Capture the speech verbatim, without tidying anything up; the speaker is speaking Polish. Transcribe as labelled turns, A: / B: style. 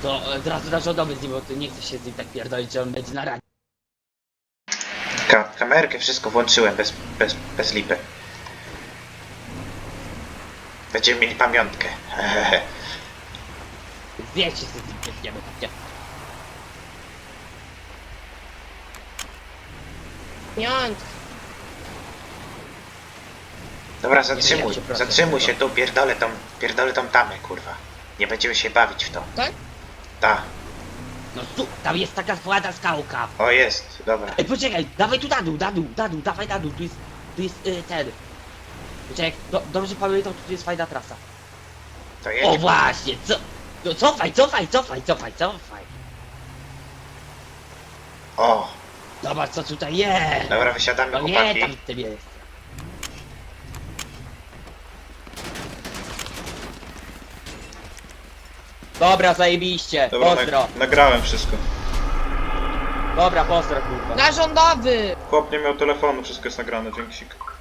A: To od razu na rządowy z nim, bo ty nie chcesz się z nim tak pierdolić, że on będzie na radzie.
B: Ka kamerkę wszystko włączyłem bez, bez, bez lipy. Będziemy mieli pamiątkę.
A: Wiecie, co z nim pierdniemy, chodźcie.
C: Piąt.
B: Dobra,
A: Nie wiem,
B: zatrzymuj,
A: jak się proszę,
B: zatrzymuj
A: tylko.
B: się tu, pierdolę tą, pierdolę tą tamę, kurwa. Nie będziemy się bawić w to.
C: Tak?
B: Ta,
A: No tu, tam jest taka słada skałka.
B: o jest, dobra.
A: Ej, poczekaj, dawaj tu na dół, na dół, na dół, dawaj na dół, tu jest, tu jest y, ten. Poczekaj, do, dobrze pamiętam, tu jest fajna trasa.
B: To
A: O
B: jedzie.
A: właśnie, co? No cofaj, cofaj, cofaj, cofaj, cofaj.
B: O,
A: Zobacz co tutaj jest.
B: dobra, wysiadamy,
A: No nie,
B: chłopaki.
A: tam w tym jest. Dobra, zajebiście,
D: Dobra,
A: pozdro.
D: nag nagrałem wszystko.
A: Dobra, pozdro kurwa.
C: Na rządowy!
D: Chłop nie miał telefonu, wszystko jest nagrane, dzięki.